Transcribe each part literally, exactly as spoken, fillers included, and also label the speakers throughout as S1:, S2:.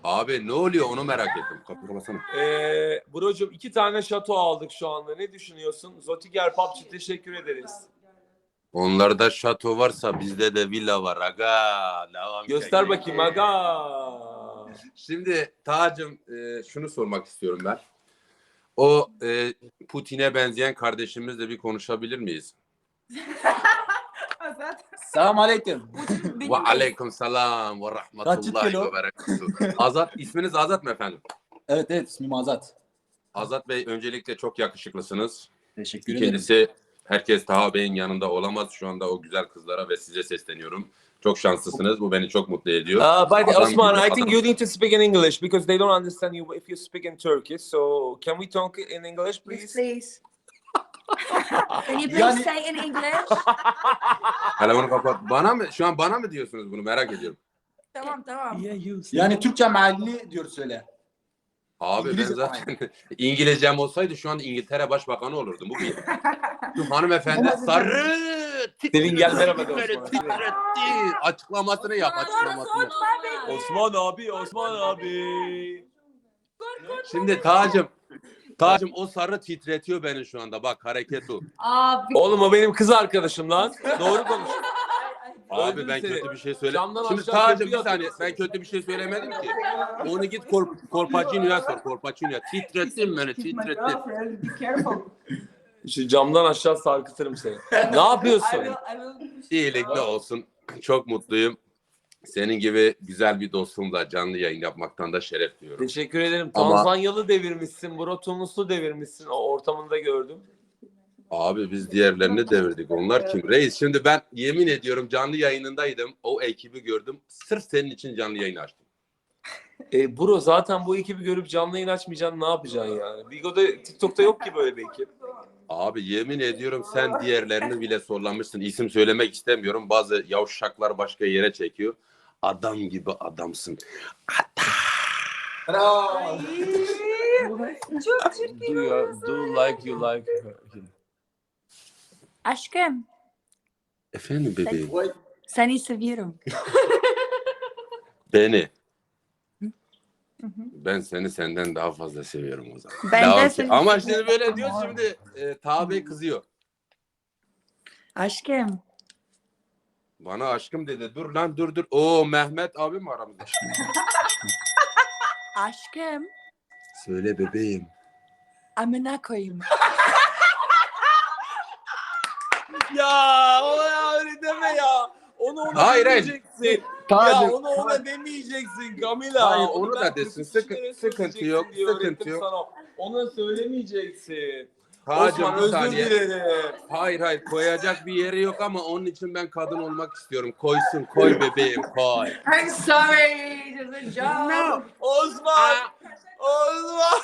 S1: Abi ne oluyor onu merak ettim. Kapıyı kapatsana.
S2: Ee, brocum iki tane şato aldık şu anda. Ne düşünüyorsun? Zotiger Pub'cı teşekkür ederiz.
S1: Onlarda şato varsa bizde de villa var. Aga. Devam
S2: Göster bakayım aga.
S1: Şimdi Tacım e, şunu sormak istiyorum ben. O e, Putin'e benzeyen kardeşimizle bir konuşabilir miyiz?
S3: Selam aleyküm.
S1: Ve aleyküm selam ve rahmetullahi ve berekatuhu. Azat, isminiz Azat mı efendim?
S3: Evet evet ismim Azat.
S1: Azat Bey öncelikle çok yakışıklısınız.
S3: Teşekkür ederim.
S1: İkincisi herkes Taha Bey'in yanında olamaz. Şu anda o güzel kızlara ve size sesleniyorum. Çok şanslısınız. Bu beni çok mutlu ediyor.
S2: Uh, but
S1: Adam
S2: Osman,
S1: gibi
S2: I think
S1: adam.
S2: you need to speak in English because they don't understand you if you speak in Turkish. So can we talk in English, please?
S4: Yes, please. Can you please
S3: Yani-
S4: say in English?
S1: Telefonu kapat. Bana mı? Şu an bana mı diyorsunuz bunu? Merak ediyorum.
S4: Tamam tamam.
S3: Yani Türkçe mealini diyor söyle.
S1: Abi
S3: İngilizce
S1: ben zaten İngilizcem olsaydı şu an İngiltere Başbakanı olurdum. Bu bir. Şu hanımefendi sarı
S2: Selin gel merhaba de
S1: titretti,
S2: Osman.
S1: titretti. Açıklamasını yap açıklamasını.
S2: Osman abi, Osman abi.
S1: Şimdi Tacım Tacım o sarı titretiyor beni şu anda. Bak hareket o.
S4: Abi.
S2: Oğlum o benim kız arkadaşım lan. Doğru konuş.
S1: Abi
S2: Öldüm
S1: ben
S2: seni.
S1: kötü bir şey söyle.
S2: Camdan
S1: Şimdi
S2: aşağı
S1: Tacım
S2: köprüyü
S1: bir saniye
S2: atıyorsun.
S1: ben kötü bir şey söylemedim ki. Onu git Kor Korpacino'ya sor. Korpacino'ya. Titrettin beni titrettin.
S2: Şu camdan aşağı sarkıtırım seni. Ne yapıyorsun?
S1: İyilikle olsun. Çok mutluyum. Senin gibi güzel bir dostumla canlı yayın yapmaktan da şeref duyuyorum.
S2: Teşekkür ederim.
S1: Ama-
S2: Tanzanyalı devirmişsin, bro Tunuslu devirmişsin. O ortamında gördüm.
S1: Abi biz diğerlerini devirdik. Onlar kim? Reis şimdi ben yemin ediyorum canlı yayınındaydım. O ekibi gördüm. Sırf senin için canlı yayın açtım.
S2: E bro zaten bu ekibi görüp canlı yayın açmayacaksın, ne yapacaksın yani? Bigo'da, TikTok'ta yok ki böyle bir ekip.
S1: Abi yemin ediyorum sen diğerlerini bile sorlamışsın. İsim söylemek istemiyorum. Bazı yavşaklar başka yere çekiyor. Adam gibi adamsın.
S3: Bravo.
S4: Çok çirkin.
S2: Do, you, do like you like him.
S4: Aşkım,
S1: Efendim bebeğim.
S4: seni seviyorum.
S1: Beni. Ben seni senden daha fazla seviyorum o zaman.
S4: Ben
S1: Devam
S4: de
S1: ki.
S4: seni
S1: Ama
S4: seviyorum.
S1: şimdi böyle diyor şimdi e, Taha Bey kızıyor.
S4: Aşkım.
S1: Bana aşkım dedi. Dur lan dur dur. Oo Mehmet abi mi aramızda?
S4: Aşkım.
S1: Söyle bebeğim.
S4: Amına koyayım.
S2: Ya ona öyle deme ya. Onu ona
S1: Hayır, hayır.
S2: demeyeceksin. Ya
S1: Tacım.
S2: onu ona demeyeceksin Camila.
S1: Hayır, onu da
S2: ben
S1: desin.
S2: kırk
S1: Sıkı-
S2: kişilere
S1: sıkıntı
S2: söyleyeceksin
S1: yok,
S2: diye
S1: sıkıntı
S2: öğrettim
S1: yok.
S2: sana. Ona söylemeyeceksin.
S1: Tacım
S2: Osman
S1: bir
S2: özür
S1: saniye.
S2: dilerim.
S1: Hayır hayır koyacak bir yeri yok ama onun için ben kadın olmak istiyorum. Koysun koy bebeğim koy.
S4: I'm sorry. It's a joke.
S2: Osman. Osman.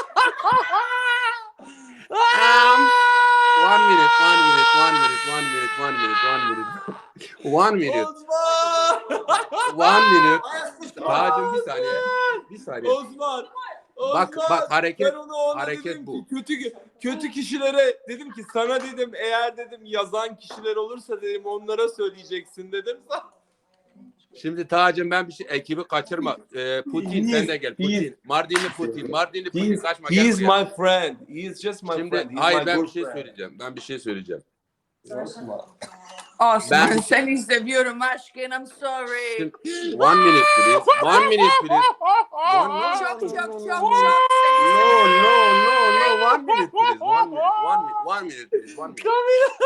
S1: Um, one minute, one minute, one minute, one minute, one minute, one minute. One minute,
S2: Osman.
S1: one minute. Tacım bir saniye. Bir saniye.
S2: Osman.
S1: Bak,
S2: Osman,
S1: bak, hareket-
S2: ben ona, ona
S1: hareket
S2: dedim
S1: bu.
S2: Ki, kötü kötü kişilere dedim ki sana dedim eğer dedim yazan kişiler olursa dedim onlara söyleyeceksin dedim.
S1: Şimdi Tacım ben bir şey ekibi kaçırma. Ee, Putin sen de gel. Putin. Mardinli Putin. Mardinli Putin
S2: He's,
S1: kaçma
S2: he
S1: gel
S2: is
S1: buraya.
S2: my friend. He is just my
S1: Şimdi
S2: friend. He's
S1: hayır
S2: my
S1: ben
S2: good
S1: bir şey
S2: friend.
S1: söyleyeceğim. Ben bir şey söyleyeceğim.
S4: Osman
S1: Ben-
S4: seni seviyorum aşkım. I'm sorry.
S1: Şimdi, one minute please. One minute please. One,
S4: Çok çok çok çok
S1: No, no, no, no. One minute please. One minute. One minute. One minute please. One minute.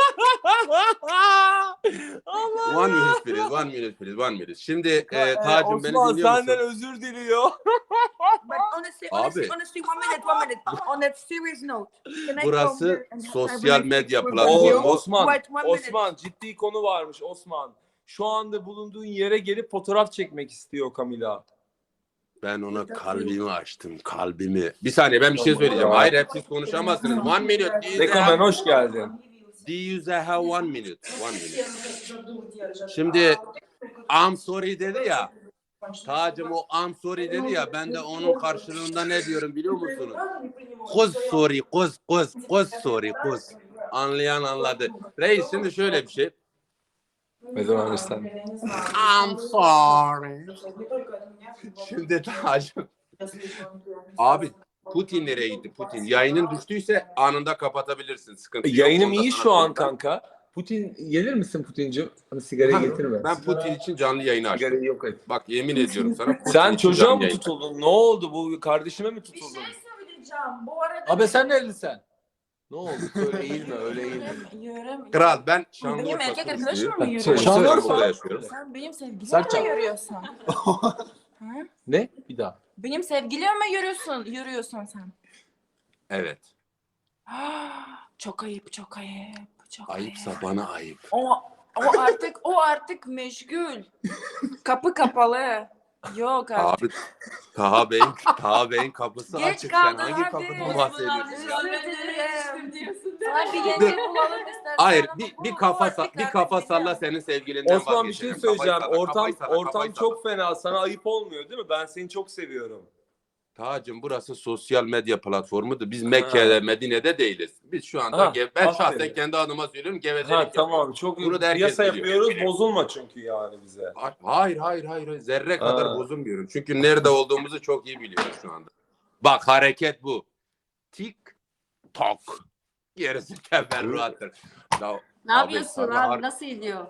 S2: Allah
S1: One minute please. One minute please. One minute. Şimdi e, Tacım beni
S2: Osman
S1: dinliyor
S2: senden
S1: musun?
S2: özür diliyor.
S4: But honestly, honestly,
S1: Abi.
S4: honestly, one minute, one minute. On a serious note, can I
S1: Burası
S4: come here and have
S1: sosyal
S4: a
S1: medya
S4: relationship
S1: platformu.
S4: with
S2: Oo,
S4: you?
S2: Osman,
S4: Wait one minute.
S2: Osman ciddi konu varmış Osman. Şu anda bulunduğun yere gelip fotoğraf çekmek istiyor Camila.
S1: Ben ona kalbimi açtım. Kalbimi. Bir saniye ben bir şey söyleyeceğim. Hayır hep siz konuşamazsınız. One minute. Do you
S2: Rekomen
S1: have-
S2: hoş geldin.
S1: do you have one minute? One minute. Şimdi I'm sorry dedi ya. Tacım o I'm sorry dedi ya. Ben de onun karşılığında ne diyorum biliyor musunuz? Kuz sorry. Kuz kuz. Kuz sorry. Kuz. Anlayan anladı. Reis şimdi şöyle bir şey.
S2: I don't understand.
S1: I'm sorry. Şimdi Tacım. Abi Putin nereye gitti? Putin. Yayının düştüyse anında kapatabilirsin. Sıkıntı yok.
S2: Yayınım
S1: Onda
S2: iyi
S1: sana
S2: şu an
S1: söyleyeyim.
S2: kanka. Putin gelir misin Putin'cim? Hani sigarayı
S1: Ha,
S2: getirme.
S1: Ben Putin için canlı yayını açtım.
S2: Sigarayı yok et.
S1: Bak yemin ediyorum sana. Putin
S2: Sen
S1: için
S2: çocuğa
S1: canlı
S2: mı
S1: yayın.
S2: tutuldun? Ne oldu? Bu kardeşime mi
S4: Bir
S2: tutuldun?
S4: şey söyleyeceğim. Bu arada
S3: Abi sen nerelisin?
S2: Ne oldu? Öyle eğilme, öyle eğilme.
S5: Yürüyorum.
S1: Kral ben
S5: Benim
S1: Şanlıurfa
S5: erkek arkadaşımla
S1: turistliyim.
S5: mı yürüyorsun?
S3: Şanlıurfa.
S1: yaşıyorum.
S5: Sen benim sevgilime
S3: Serçe.
S5: mi yürüyorsun? Ha?
S2: Ne? Bir daha.
S5: Benim sevgilime mi yürüyorsun? Yürüyorsun sen.
S1: Evet.
S5: Çok ayıp, çok ayıp. Çok
S1: Ayıpsa
S5: ayıp.
S1: bana ayıp.
S5: O, o artık o artık meşgul. Kapı kapalı. Yok artık.
S1: Abi Taha Bey'in Taha Bey'in kapısı
S5: Geç
S1: açık. Sen
S5: kaldın,
S1: hangi
S5: hadi.
S1: kapıdan bahsediyorsun ya?
S5: Sana bir yenge bulalım istersen.
S1: Hayır
S5: ama
S1: bir,
S5: bu-
S1: bir
S5: bu
S1: kafa
S5: artık
S1: sa- bir
S5: artık
S1: kafa
S5: bitti.
S1: salla senin sevgilinden
S2: Osman bir şey
S1: vazgeçelim.
S2: söyleyeceğim.
S1: Kafayı salla,
S2: Ortam
S1: kafayı salla,
S2: ortam
S1: kafayı
S2: çok
S1: salla.
S2: fena. Sana ayıp olmuyor değil mi? Ben seni çok seviyorum.
S1: Tacım burası sosyal medya platformudur. Biz Mekke'de, Medine'de değiliz. Biz şu anda
S2: Ha,
S1: ge- ben
S2: aferin.
S1: şahsen kendi adıma söylüyorum gevezelik
S2: Ha
S1: yapıyorum.
S2: tamam. Çok
S1: Bunu da herkes
S2: piyasa
S1: biliyor.
S2: yapıyoruz. Bozulma çünkü yani bize.
S1: Hayır hayır hayır hayır. Zerre kadar
S2: Ha.
S1: bozulmuyorum. Çünkü nerede olduğumuzu çok iyi biliyoruz şu anda. Bak hareket bu. Tik tok. Gerisi teferruattır. Ya,
S6: Ne yapıyorsun
S1: sana
S6: abi?
S1: har-
S6: Nasıl gidiyor?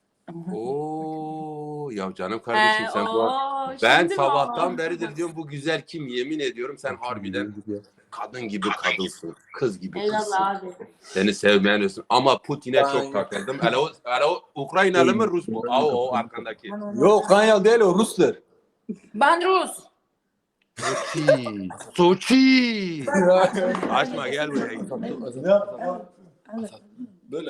S1: Oo ya canım kardeşim
S6: He,
S1: sen bu
S6: oo,
S1: ben
S6: şimdi mi
S1: sabahtan
S6: oldu?
S1: beridir diyorum bu güzel kim yemin ediyorum sen harbiden kadın gibi kadınsın. Kız gibi kızsın.
S6: Eyvallah abi.
S1: Seni sevmeyen olsun. Ama Putin'e çok takıldım. Hele o, hele o Ukraynalı mı Rus mu? Aa, o arkandaki.
S3: Yok Kanyalı değil o Rus'tur.
S5: Ben Rus.
S1: Soçi. Soçi. Açma gel buraya.
S3: Böyle.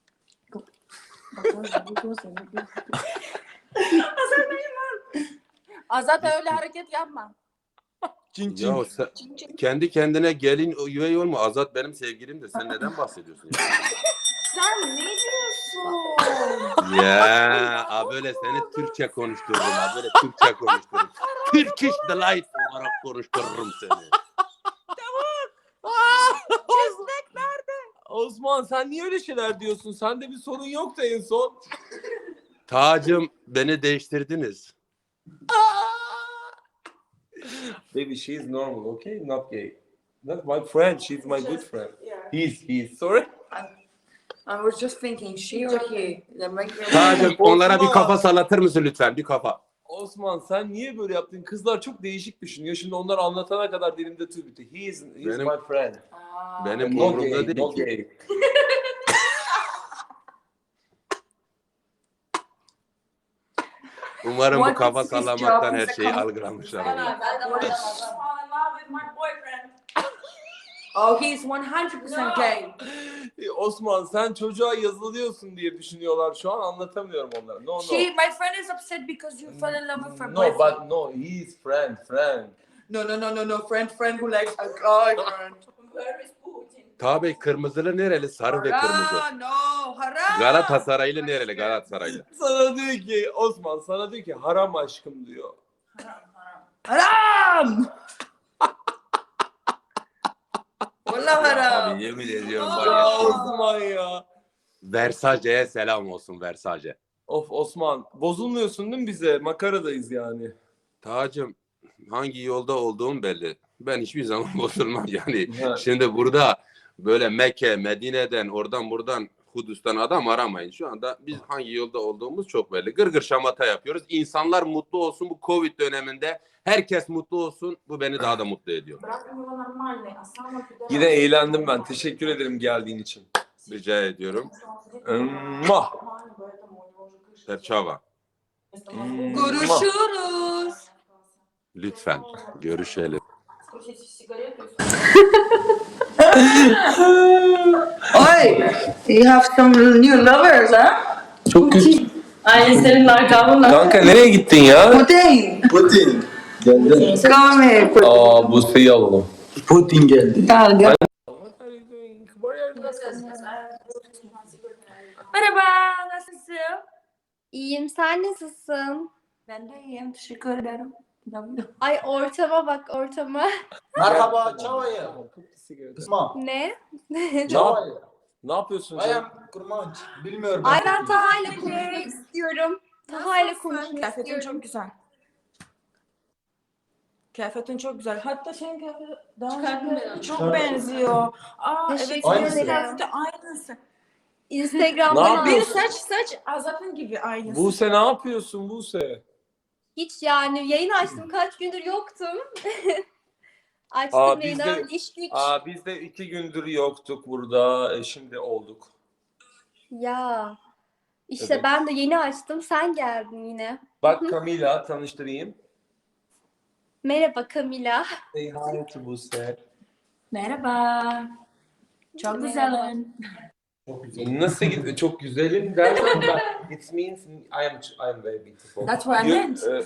S5: Azat öyle hareket yapma.
S3: Çin çin.
S1: Ya sen, kendi kendine gelin üvey olma. Azat benim sevgilimdir. Sen neden bahsediyorsun ya?
S5: Sen ne diyorsun?
S1: Ya a böyle seni Türkçe konuştururum. A böyle Türkçe konuştururum. Turkish Delight olarak konuştururum seni.
S5: Çizmek nerede?
S2: Osman sen niye öyle şeyler diyorsun? Sende bir sorun yoktu en son.
S1: Tacım beni değiştirdiniz.
S2: Baby, she's normal, okay? Not gay. Not my friend. She's my good friend. He's, he's. Sorry.
S4: I was just thinking, she or he? They make me-
S1: Tacım onlara bir kafa sallatır mısın lütfen? Bir kafa.
S2: Osman sen niye böyle yaptın? Kızlar çok değişik düşünüyor. Şimdi onlar anlatana kadar dilimde tüy bitti. He is, he is
S1: Benim-
S2: my friend.
S5: Aa,
S1: Benim
S2: Not
S1: umurumda
S2: gay,
S1: değil
S2: not
S1: ki.
S2: gay.
S1: Umarım bu
S4: What
S1: kafa
S4: is his
S1: sallamaktan
S4: job?
S1: her
S4: He's a
S1: şeyi
S4: com-
S1: algılamışlar.
S5: Ben
S1: onlar.
S5: ben de fall in love with my boyfriend.
S4: Oh, he's one hundred percent gay.
S2: Osman sen çocuğa yazılıyorsun diye düşünüyorlar şu an, anlatamıyorum onlara. No no.
S4: She, my friend is upset because you fell in love with her
S2: No
S4: boyfriend.
S2: but no, he is friend, friend.
S4: No, no, no, no, no. Friend, friend who likes a guy friend.
S5: Where is Putin?
S1: Tabii kırmızılı nereli? Sarı ve kırmızı.
S4: Haram, no, haram.
S1: Galatasaraylı nereli? Galatasaraylı.
S2: Sana diyor ki Osman sana diyor ki haram aşkım diyor.
S4: Haram. Vallahi haram.
S1: Abi yemin ediyorum var
S2: Ya
S1: ya.
S2: Osman ya.
S1: Versace'ye selam olsun Versace.
S2: Of Osman bozulmuyorsun değil mi bize? Makaradayız yani.
S1: Tacım hangi yolda olduğum belli. Ben hiçbir zaman bozulmam yani.
S2: Ha.
S1: Şimdi burada böyle Mekke, Medine'den, oradan buradan Kudüs'ten adam aramayın. Şu anda biz hangi yolda olduğumuz çok belli. Gırgır şamata yapıyoruz. İnsanlar mutlu olsun bu Covid döneminde. Herkes mutlu olsun. Bu beni daha da mutlu ediyor.
S2: Yine eğlendim ben. Teşekkür ederim geldiğin için.
S1: Rica ediyorum.
S2: Mwah.
S1: Perçava.
S4: Görüşürüz.
S1: Lütfen görüşelim.
S4: Oy, you have some new lovers, huh?
S2: Çok kötü.
S6: Ailesinin lakabı
S2: Kanka nereye gittin ya?
S4: Putin,
S3: Putin. Geldi.
S4: come here. Putin.
S2: Aa Buse'yi alalım.
S3: Putin geldi.
S4: Gel, gel.
S5: Merhaba, nasılsın?
S7: İyiyim, sen nasılsın?
S4: Ben de iyiyim, teşekkür ederim.
S7: Ay ortama bak ortama.
S3: Merhaba, çavayı. Osman.
S7: Ne?
S3: Çavayı.
S2: Ne yapıyorsun
S3: I
S2: canım?
S3: am kurmaç. Bilmiyorum.
S7: Ay ben Taha ile konuşmak istiyorum. Taha ile konuşmak
S5: Kıyafetin
S7: istiyorum.
S5: çok güzel. Kıyafetin çok güzel. Hatta senin kıyafetin daha
S6: Çıkarttın beni.
S5: çok
S3: Çıkarttın.
S5: benziyor. Aa evet
S7: Teşekkür
S5: senin
S3: ederim.
S5: kıyafeti aynısı.
S7: Instagram'dan
S2: Ne
S5: Bir
S7: aldım.
S5: saç saç Azap'ın gibi aynısı.
S2: Buse ne yapıyorsun Buse?
S7: Hiç yani yayın açtım. Kaç gündür yoktum. Açtım
S2: Aa,
S7: yayını.
S2: biz de-
S7: Öyle iş güç.
S2: Aa, biz de iki gündür yoktuk burada. E, şimdi olduk.
S7: Ya. İşte
S2: Evet.
S7: ben de yeni açtım. Sen geldin yine.
S2: Bak Camila tanıştırayım.
S7: Merhaba Camila.
S2: Say hi to Buse.
S6: Merhaba. Çok
S7: Merhaba.
S6: güzelim.
S3: Çok güzel.
S2: Nasıl gidiyor? Çok güzelim derken ben, it means I am I am very beautiful.
S6: That's what I
S2: You-
S6: meant.
S2: e,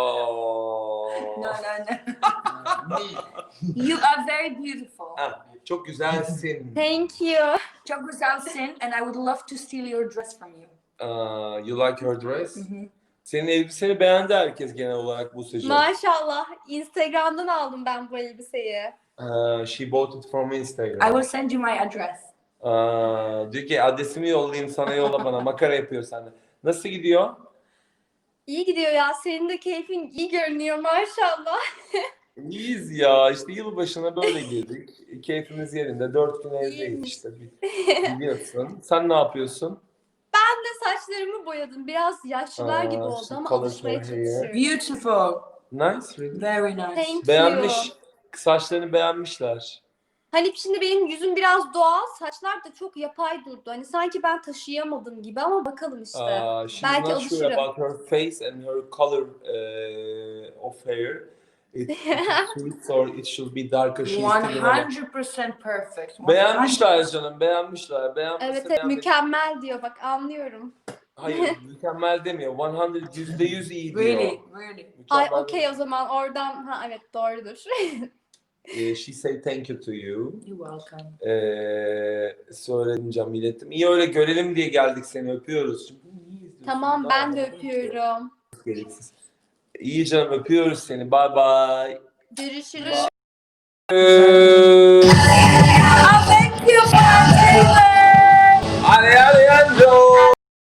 S2: oh.
S6: No, no, no. You are very beautiful.
S2: Ha, çok güzelsin.
S7: Thank you.
S6: Çok güzelsin and I would love to steal your dress from you.
S2: Uh, you like her dress?
S6: Hı hı.
S2: Senin elbiseni beğendi herkes genel olarak Buse'cim.
S7: Maşallah. Instagram'dan aldım ben bu elbiseyi.
S2: Uh, she bought it from
S6: I
S2: Instagram.
S6: will send you my address.
S2: Uh, diyor ki adresimi yollayayım sana yolla bana. Makara yapıyor sende. Nasıl gidiyor?
S7: İyi gidiyor ya. Senin de keyfin iyi görünüyor maşallah.
S2: İyiyiz ya. İşte yılbaşına böyle girdik. Keyfimiz yerinde. Dört gün evdeyiz
S7: İyiymiş.
S2: işte. Biliyorsun. Sen ne yapıyorsun?
S7: Ben de saçlarımı boyadım. Biraz yaşlılar gibi
S2: Aa,
S7: oldu
S2: some
S7: ama
S2: color
S7: alışmaya
S2: for hair.
S7: çalışıyorum.
S6: Beautiful.
S2: Nice, really.
S6: Very nice.
S7: Thank you.
S2: Beğenmiş. Saçlarını beğenmişler.
S7: Hani şimdi benim yüzüm biraz doğal, saçlar da çok yapay durdu. Hani sanki ben taşıyamadım gibi ama bakalım işte.
S2: Uh, she's
S7: Belki
S2: not sure
S7: alışırım.
S2: about her face and her color uh, of hair. It, it suits or it should be darker. She's
S6: one
S2: thinking about-
S6: hundred percent perfect.
S2: Beğenmişler canım, beğenmişler. Beğenmese
S7: Evet evet
S2: beğenmedi.
S7: mükemmel diyor bak anlıyorum.
S2: Hayır, mükemmel demiyor. yüz, yüzde yüz iyi diyor.
S6: Really, really.
S7: Ay
S2: Mükemmel
S7: okey o zaman oradan ha evet doğrudur.
S2: Ee, she say thank you to you.
S6: You're welcome.
S2: Ee, söyledim canım, ilettim. İyi öyle görelim diye geldik, seni öpüyoruz. Şimdi niye izliyorsun?
S7: Tamam
S2: Daha
S7: ben de
S2: da-
S7: öpüyorum.
S2: Gereksiz. İyi canım, öpüyoruz seni. Bye bye.
S7: Görüşürüz.
S2: Alejandro.